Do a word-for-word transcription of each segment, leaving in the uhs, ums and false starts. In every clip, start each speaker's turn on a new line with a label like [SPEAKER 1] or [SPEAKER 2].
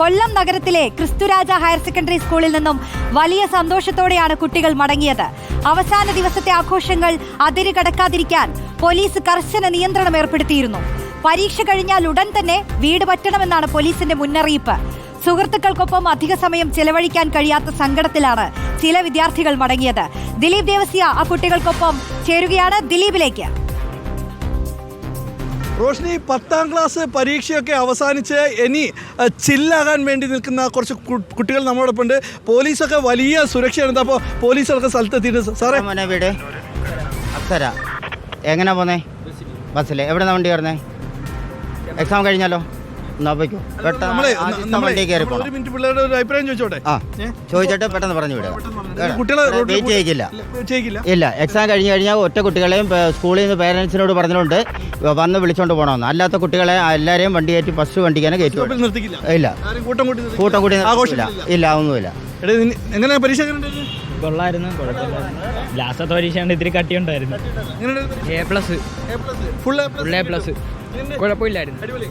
[SPEAKER 1] കൊല്ലം നഗരത്തിലെ ക്രിസ്തുരാജ higher secondary സ്കൂളിൽ നിന്നും വലിയ സന്തോഷത്തോടെയാണ് കുട്ടികൾ മടങ്ങിയത്. അവസാന ദിവസത്തെ ആഘോഷങ്ങൾ അതിര് കടക്കാതിരിക്കാൻ പോലീസ് കർശന നിയന്ത്രണം ഏർപ്പെടുത്തിയിരുന്നു. പരീക്ഷ കഴിഞ്ഞാൽ ഉടൻ തന്നെ വീട് പറ്റണമെന്നാണ് പോലീസിന്റെ മുന്നറിയിപ്പ്. സുഹൃത്തുക്കൾക്കൊപ്പം അധിക സമയം ചെലവഴിക്കാൻ കഴിയാത്ത സങ്കടത്തിലാണ് ചില വിദ്യാർത്ഥികൾ മടങ്ങിയത്. ദിലീപ് ദേവസ്യ ആ കുട്ടികൾക്കൊപ്പം ചേരുകയാണ്. ദിലീപിലേക്ക്.
[SPEAKER 2] റോഷ്നി, പത്താം ക്ലാസ് പരീക്ഷയൊക്കെ അവസാനിച്ച് ഇനി ചില്ലാകാൻ വേണ്ടി നിൽക്കുന്ന കുറച്ച് കുട്ടികൾ നമ്മളോടൊപ്പം ഉണ്ട്. പോലീസൊക്കെ വലിയ സുരക്ഷയാണ്. അപ്പോൾ പോലീസൊക്കെ സ്ഥലത്തെത്തിയിട്ട് സാറേ
[SPEAKER 3] മോനെ വീട് അപ്സര എങ്ങനെ പോന്നേ? ബസ്സിൽ എവിടെ നിന്ന് വണ്ടി കയറുന്നേ? എക്സാം കഴിഞ്ഞാലോ?
[SPEAKER 2] പിള്ളേരുടെ ഒരു അഭിപ്രായം ചോദിച്ചോട്ടെ.
[SPEAKER 3] ആ ചോദിച്ചിട്ട് പെട്ടെന്ന് പറഞ്ഞു വിടുക. വെയിറ്റ് ചെയ്യില്ല. ഇല്ല, എക്സാം കഴിഞ്ഞ് കഴിഞ്ഞാൽ ഒറ്റ കുട്ടികളെയും സ്കൂളിൽ നിന്ന് പേരൻസിനോട് പറഞ്ഞിട്ടുണ്ട് വന്ന് വിളിച്ചോണ്ട് പോകണമെന്ന്. അല്ലാത്ത കുട്ടികളെ എല്ലാവരെയും വണ്ടി കയറ്റി ഫസ്റ്റ് വണ്ടിക്കാനെ കയറ്റി ഇല്ല. കൂട്ടം കൂട്ടി ഇല്ല, ഒന്നുമില്ല.
[SPEAKER 2] എങ്ങനെ പരീക്ഷ
[SPEAKER 4] കൊള്ളായിരുന്നു, ലാസ്റ്റത്തെ പരീക്ഷ ഇത്തിരി കട്ടിയുണ്ടായിരുന്നു. A plus full A plus കുഴപ്പമില്ലായിരുന്നു.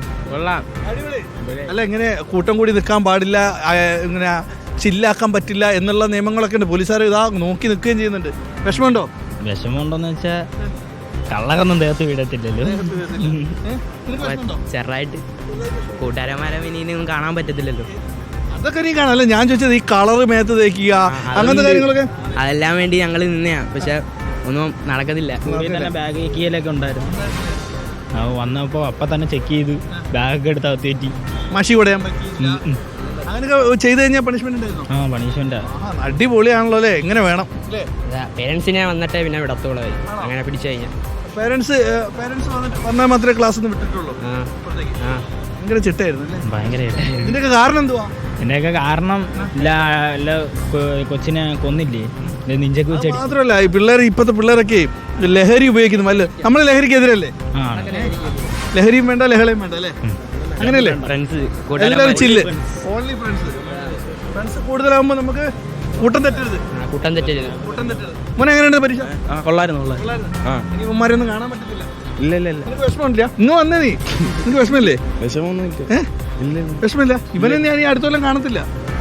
[SPEAKER 2] അല്ല, ഇങ്ങനെ കൂട്ടം കൂടി നിൽക്കാൻ പാടില്ല, ഇങ്ങനെ ചില്ലാക്കാൻ പറ്റില്ല എന്നുള്ള നിയമങ്ങളൊക്കെ ഉണ്ട്. പോലീസുകാർ ഇതാ നോക്കി നിൽക്കുകയും ചെയ്യുന്നുണ്ട്. വിഷമമുണ്ടോ?
[SPEAKER 4] വിഷമമുണ്ടോന്ന് വെച്ചാൽ കള്ളകൊന്നും ദേഹത്ത് വീടത്തില്ലല്ലോ. ചെറുതായിട്ട് കൂട്ടുകാരന്മാരെ ഇനിയും കാണാൻ പറ്റത്തില്ലല്ലോ.
[SPEAKER 2] അതൊക്കെ നീ കാണാല്ലേ. ഞാൻ ചോദിച്ചത് ഈ കളറ് മേത്ത് തേക്കുക അങ്ങനത്തെ കാര്യങ്ങളൊക്കെ
[SPEAKER 4] അതെല്ലാം വേണ്ടി ഞങ്ങൾ നിന്നെയാ, പക്ഷെ ഒന്നും നടക്കത്തില്ല. ബാഗ് ചെക്കിയലൊക്കെ ഉണ്ടായിരുന്നു. വന്നപ്പോൾ അപ്പം തന്നെ ചെക്ക് ചെയ്ത് ബാഗൊക്കെ എടുത്ത് അകത്തേറ്റി
[SPEAKER 2] മഷി കൊടയാൻ പറ്റി. അങ്ങനെയൊക്കെ ചെയ്ത് കഴിഞ്ഞാൽ പണിഷ്മെന്റ് ഉണ്ടായിരുന്നു.
[SPEAKER 4] ആ പണിഷ്മെന്റ്
[SPEAKER 2] അടിപൊളിയാണല്ലോ അല്ലേ? എങ്ങനെ വേണം?
[SPEAKER 4] പേരൻസിനെ വന്നിട്ടേ പിന്നെ വിടത്തോളൂ. അങ്ങനെ പിടിച്ചു കഴിഞ്ഞാൽ
[SPEAKER 2] പേരൻസ് പേരൻസ് വന്നിട്ട് വന്നാൽ മാത്രമേ ക്ലാസ് ഒന്ന് വിട്ടിട്ടുള്ളൂ. ഭയങ്കര ചിട്ടായിരുന്നു അല്ലേ?
[SPEAKER 4] ഭയങ്കര.
[SPEAKER 2] ഇതിന്റെയൊക്കെ കാരണം എന്തുവാ?
[SPEAKER 4] ഇതിന്റെയൊക്കെ കാരണം കൊച്ചിനെ കൊന്നില്ലേ, നെഞ്ചൊക്കെ വെച്ച്.
[SPEAKER 2] മാത്രമല്ല ഈ പിള്ളേർ, ഇപ്പോഴത്തെ പിള്ളേരൊക്കെ ലഹരി ഉപയോഗിക്കുന്നു. വല്ല നമ്മൾ ലഹരിക്കെതിരല്ലേ? ലഹരിയും വേണ്ട ലഹളയും വേണ്ട അല്ലേ? അങ്ങനെയല്ലേ? എല്ലാവരും ചില്ല്, ഓൺലി ഫ്രണ്ട്സ്. ഫ്രണ്ട്സ് കൂടുതലാകുമ്പോൾ നമുക്ക് കൂട്ടം തെറ്റരുത്.
[SPEAKER 4] കൂട്ടം തെറ്റരുത്.
[SPEAKER 2] കൂട്ടം തെറ്റരുത്. മോനെ എങ്ങനെയുണ്ട് പരീക്ഷ?
[SPEAKER 4] കൊള്ളായിരുന്നു.
[SPEAKER 2] ഇനി ഉമ്മാരെയൊന്നും കാണാൻ പറ്റത്തില്ല.
[SPEAKER 4] ഇല്ല ഇല്ല ഇല്ല.
[SPEAKER 2] നിനക്ക് വിഷമമില്ല? ഇന്ന് വന്നേ നീ, നിനക്ക് വിഷമമില്ലേ?
[SPEAKER 4] വിഷമൊന്നും
[SPEAKER 2] വിഷമില്ല. ഇവനെ ഞാൻ ഈ അടുത്ത കൊല്ലം കാണത്തില്ല.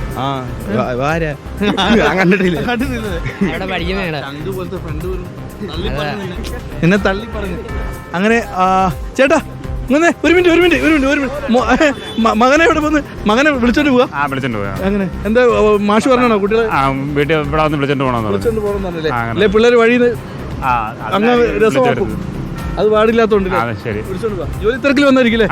[SPEAKER 2] എന്നെ തള്ളി പറഞ്ഞു. അങ്ങനെ ചേട്ടാ ഇങ്ങനെ ഒരു മിനിറ്റ് ഒരു മിനിറ്റ് ഒരു മിനിറ്റ് ഒരു മിനിറ്റ് മകനെ ഇവിടെ വന്ന് മകനെ വിളിച്ചോണ്ട് പോവാ. അങ്ങനെ എന്താ മാഷ് പറഞ്ഞാണോ കുട്ടികളെ
[SPEAKER 5] വീട്ടിൽ ഇവിടെ വന്ന് വിളിച്ചോണ്ട് പോകണം
[SPEAKER 2] വിളിച്ചോണ്ട് പോകണമെന്നല്ലേ? അല്ലെ പിള്ളേർ വഴിയിൽ അങ്ങ് രസമാക്കും. അത് പാടില്ലാത്തോണ്ട് വിളിച്ചോണ്ട് പോവാ. ജോലി തിരക്കിൽ വന്നായിരിക്കില്ലേ?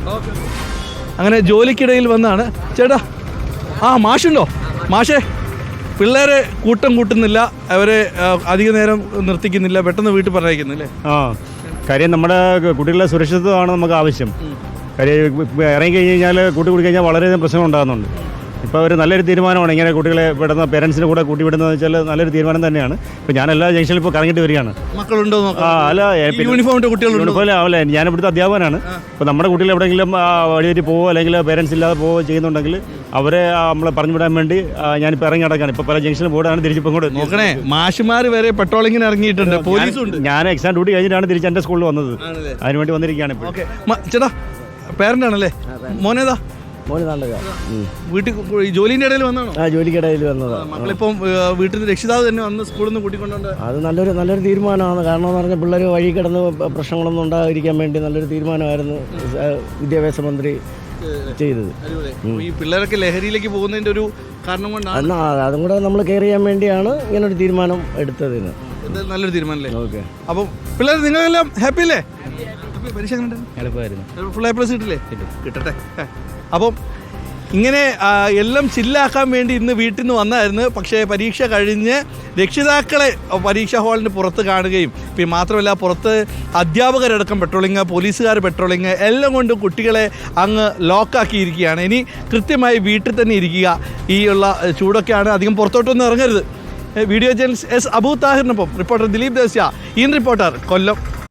[SPEAKER 2] അങ്ങനെ ജോലിക്കിടയിൽ വന്നാണ്. ചേട്ടാ ആ മാഷുണ്ടോ? മാഷേ, പിള്ളേരെ കൂട്ടം കൂട്ടുന്നില്ല, അവരെ അധിക നേരം നിർത്തിക്കുന്നില്ല, പെട്ടെന്ന് വീട്ടിൽ പറഞ്ഞയക്കുന്നില്ലേ?
[SPEAKER 5] ആ കാര്യം നമ്മുടെ കുട്ടികളുടെ സുരക്ഷിതത്വമാണ് നമുക്ക് ആവശ്യം. കാര്യം ഇറങ്ങി കഴിഞ്ഞ് കഴിഞ്ഞാൽ കൂട്ടി കൂടി കഴിഞ്ഞാൽ വളരെയധികം പ്രശ്നം ഉണ്ടാകുന്നുണ്ട്. ഇപ്പോൾ ഒരു നല്ലൊരു തീരുമാനമാണ് ഇങ്ങനെ കുട്ടികളെ വിടുന്ന, പേരൻസിൻ്റെ കൂടെ കൂട്ടി വിടുന്നതെന്ന് വെച്ചാൽ നല്ലൊരു തീരുമാനം തന്നെയാണ്. ഇപ്പോൾ ഞാൻ എല്ലാ ജംഗ്ഷനിൽ ഇപ്പോൾ കറങ്ങിയിട്ട് വരികയാണ്.
[SPEAKER 2] മക്കളുണ്ടോ?
[SPEAKER 5] ആ അല്ല,
[SPEAKER 2] യൂണിഫോം കുട്ടികൾ
[SPEAKER 5] യൂണിഫോം ആവില്ല. ഞാൻ ഇവിടുത്തെ അധ്യാപകനാണ്. ഇപ്പോൾ നമ്മുടെ കുട്ടികൾ എവിടെയെങ്കിലും വഴിയേറ്റി പോവോ അല്ലെങ്കിൽ പേരൻസ് ഇല്ലാതെ പോവോ ചെയ്യുന്നുണ്ടെങ്കിൽ അവരെ നമ്മളെ പറഞ്ഞു വിടാൻ വേണ്ടി ഞാനിപ്പോൾ ഇറങ്ങി നടക്കാണ്. ഇപ്പോൾ പല ജംഗ്ഷനിൽ പോയിട്ടാണ് തിരിച്ചിപ്പോൾ കൂടെ
[SPEAKER 2] നോക്കണേ. മാഷുമാർ വരെ പെട്രോളിങ്ങിന് ഇറങ്ങിയിട്ടുണ്ട്, പോലീസുണ്ട്.
[SPEAKER 5] ഞാൻ എക്സാം ഡ്യൂട്ടി കഴിഞ്ഞിട്ടാണ് തിരിച്ച് എൻ്റെ സ്കൂളിൽ വന്നത്. അതിനുവേണ്ടി വന്നിരിക്കുകയാണ് ഇപ്പോൾ.
[SPEAKER 2] ചേട്ടാ പേരൻ്റ് ആണല്ലേ? മോനേതാ? വീട്ടിൽ ജോലിന്റെ ഇടയിൽ വന്നാണോ?
[SPEAKER 6] ആ ജോലിക്കിടയിൽ വന്നതാണ്.
[SPEAKER 2] മക്കളിപ്പം വീട്ടിൽ നിന്ന് രക്ഷിതാവ് തന്നെ വന്ന് സ്കൂളിൽ നിന്ന് കൂട്ടിക്കൊണ്ടുണ്ട്.
[SPEAKER 6] അത് നല്ലൊരു നല്ലൊരു തീരുമാനമാണ്. കാരണം എന്ന് പറഞ്ഞാൽ പിള്ളേർ വഴി കിടന്ന് പ്രശ്നങ്ങളൊന്നും ഉണ്ടാകാതിരിക്കാൻ വേണ്ടി നല്ലൊരു തീരുമാനമായിരുന്നു വിദ്യാഭ്യാസ മന്ത്രി ചെയ്തത്.
[SPEAKER 2] ഈ പിള്ളേരൊക്കെ ലഹരിയിലേക്ക് പോകുന്നതിന്റെ ഒരു കാരണം കൊണ്ടാണ്.
[SPEAKER 6] അതും കൂടെ നമ്മൾ കെയർ ചെയ്യാൻ വേണ്ടിയാണ് ഇങ്ങനൊരു തീരുമാനം എടുത്തതിന്.
[SPEAKER 2] നല്ലൊരു തീരുമാനമല്ലേ? ഓക്കെ. അപ്പം പിള്ളേർ നിങ്ങളെല്ലാം ഹാപ്പി അല്ലേ? പരീക്ഷ ഫുൾ എ പ്ലസ് കിട്ടില്ലേ? കിട്ടട്ടെ. അപ്പം ഇങ്ങനെ എല്ലാം ചില്ലാക്കാൻ വേണ്ടി ഇന്ന് വീട്ടിൽ നിന്ന് വന്നായിരുന്നു. പക്ഷേ പരീക്ഷ കഴിഞ്ഞ് രക്ഷിതാക്കളെ പരീക്ഷാ ഹാളിന് പുറത്ത് കാണുകയും പിന്നെ മാത്രമല്ല പുറത്ത് അധ്യാപകരടക്കം പെട്രോളിങ്, പോലീസുകാർ പെട്രോളിങ് എല്ലാം കൊണ്ടും കുട്ടികളെ അങ്ങ് ലോക്കാക്കിയിരിക്കുകയാണ്. ഇനി കൃത്യമായി വീട്ടിൽ തന്നെ ഇരിക്കുക. ഈ ഉള്ള ചൂടൊക്കെയാണ്, അധികം പുറത്തോട്ടൊന്നും ഇറങ്ങരുത്. വീഡിയോ ജേർണലിസ്റ്റ് എസ് അബൂ താഹിറിനൊപ്പം reporter Dileep Devasya, in reporter, Kollam.